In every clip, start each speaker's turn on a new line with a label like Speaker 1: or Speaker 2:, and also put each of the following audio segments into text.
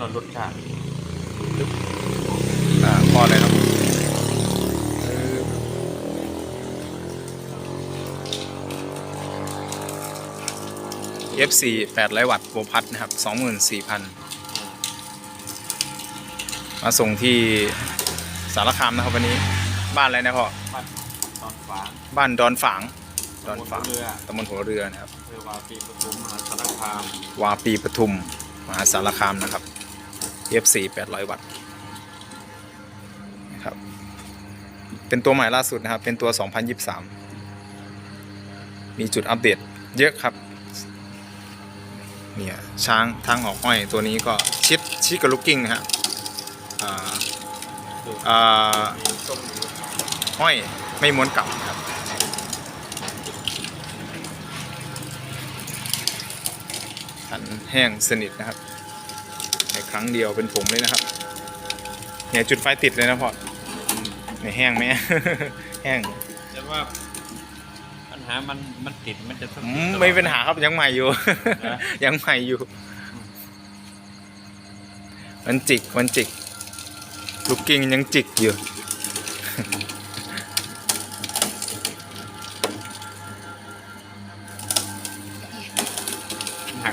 Speaker 1: รสชาติ
Speaker 2: พอเลยครับFC 800 วัตต์โวลต์พัดนะครับ 24,000 มาส่งที่สารคามนะครับวันนี้บ้านอะไรนะพ่อ
Speaker 1: บ้านดอนฝาง
Speaker 2: บ้านดอนฝางตำบลหัวเรือนะครับ
Speaker 1: วาปีปทุมมหาสารคาม
Speaker 2: วาปีปทุมมหาสารคามนะครับ FC 800 วัตต์นะครับเป็นตัวใหม่ล่าสุดนะครับเป็นตัว 2023 มีจุดอัปเดตเยอะครับเนี่ยช้างทางออกอ้อยตัวนี้ก็ชิดกับลูกกิ้งนะฮะห้อยไม่ม้วนกลับนะครับขันแห้งสนิทนะครับในครั้งเดียวเป็นผงเลยนะครับเนี่ยจุดไฟติดเลยนะพ่อเนี่ยแห้งไหม แห้ง
Speaker 1: แต่ว่าปัญหามันติดมันจะ
Speaker 2: ไม่เป็นปัญหาครับยังใหม่อยู่ ยังใหม่อยู่มันจิกลูกกิ้งยังจิกอยู่
Speaker 1: หัก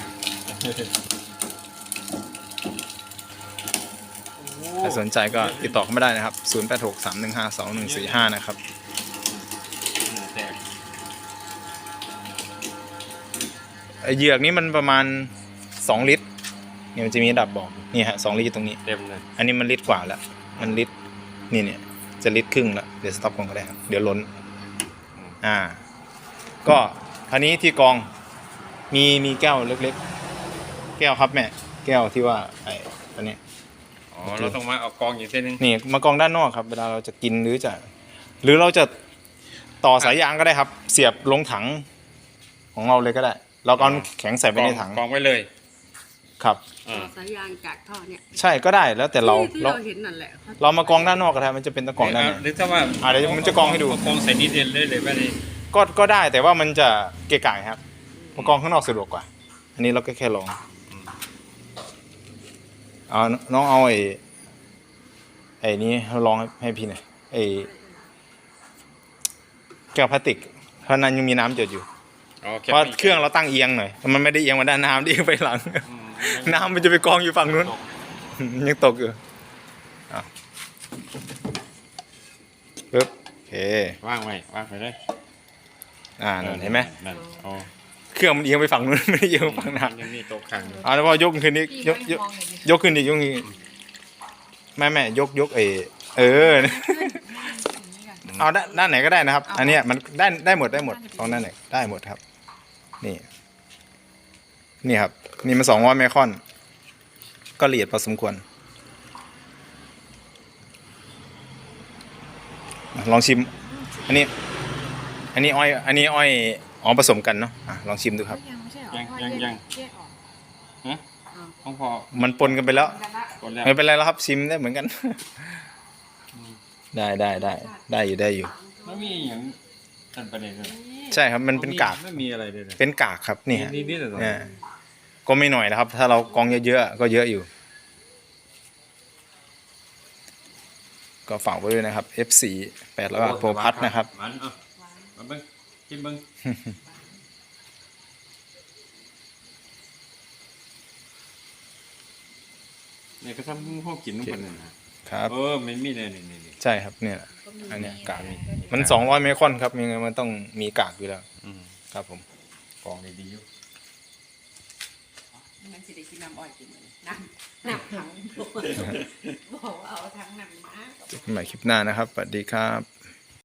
Speaker 2: ถ้าสนใจก็ติดต่อเข้ามาได้นะครับ0863152145นะครับเหยือกนี้มันประมาณ2 ลิตรเนี่ยมันจะมีระดับบอกนี่ฮะ2 ลิตรตรงนี้
Speaker 1: เต็มเลย
Speaker 2: อันนี้มันลิตรกว่าแล้วมันลิตรเนี่ยจะลิตรครึ่งแล้วเดี๋ยวสต็อปก่อนก็ได้ครับเดี๋ยวล้นก็คราวนี้ที่กองมีแก้วเล็กๆแก้วครับแม่แก้วที่ว่าไอ้ตัวนี้
Speaker 1: เราต้องมาเอากองอย่างเช่น
Speaker 2: นี่มากองด้านนอกครับเวลาเราจะกินหรือเราจะต่อสายยางก็ได้ครับเสียบลงถังของเราเลยก็ได้เราก็แข็งใส่ไปในถัง
Speaker 1: กองไว้เลย
Speaker 2: ครับ
Speaker 3: ต่อสายยางจากท่อเนี่ย
Speaker 2: ใช่ก็ได้แล้วแต่เรา
Speaker 3: เห็นนั่นแหละ
Speaker 2: เรามากองด้านนอกก็ได้มันจะเป็นตะกองด้านนี้
Speaker 1: หรือถ้าว่า
Speaker 2: เดี๋ยวมันจะกองให้ดู
Speaker 1: กองใส่นิดเดียวเลยไปเลย
Speaker 2: ก็ได้แต่ว่ามันจะเกะกะครับมากองข้างนอกสะดวกกว่าอันนี้เราก็แค่ลองเอาน้องเอาไอ้นี้ลองให้พี่หน่อยไอ้แก้วพลาสติกเพราะนั้นยังมีน้ำเจืออยู่เพราะเครื่องเราตั้งเอียงหน่อยมันไม่ได้เอียงมาด้านน้ำเอียงไปหลังน้ำมันจะไปกองอยู่ฝั่งนู้นยังตกอยู่ปึ๊บโอเค
Speaker 1: ว่างไปเลย
Speaker 2: นั่นเห็นไหม
Speaker 1: อ๋อ
Speaker 2: เครื่องมันเอียงไปฝั่งนู้นไม่ได้เอียงไปฝั่งน้ำ
Speaker 1: ยังมีตกขัง
Speaker 2: แล้วพอยกขึ้นนี้ยกขึ้นอีกแม่ยกเอาด้านไหนก็ได้นะครับอันนี้มันได้หมดตรงด้านไหนได้หมดครับนี่ครับนี่มัน200 ไมครอนก็ละเอียดพอสมควรลองชิมอันนี้อ้อยผสมกันเนาะลองชิมดูครับ
Speaker 1: ยังของพอ
Speaker 2: มันปนกันไปแล้วไม่เป็นไรแล้วครับชิมได้เหมือนกันได้อยู่
Speaker 1: ไม่มีอย่างตันประเด็นเลย
Speaker 2: ใช่ครับมันเป็นกาก
Speaker 1: ไม่มีอะไรเลย
Speaker 2: เป็นกากครับนี่
Speaker 1: นิด
Speaker 2: ก็ไม่หน่อยนะครับถ้าเรากองเยอะๆก็เยอะอยู่ก็ฝากไว้ด้วยนะครับ F4 800 วัตต์โปรพัทนะครับ
Speaker 1: มาเบิ้งกินเบิ้งเนี่ยก็ทำพวกกินทุกคนนะครับไม่มีเลยนี่
Speaker 2: ใช่ครับเนี่ยอันเนี้ยกากมัน200 ไมครอนครับยังไงมันต้องมีกากอยู่แล้วครับผม
Speaker 1: กองดีอยู่
Speaker 3: มันสิได้กินน้ำอ้อยกินน้ำถังบอกว่าเอาถังน้ำมา
Speaker 2: เจอกันใหม่คลิปหน้านะครับสวัสดีครับ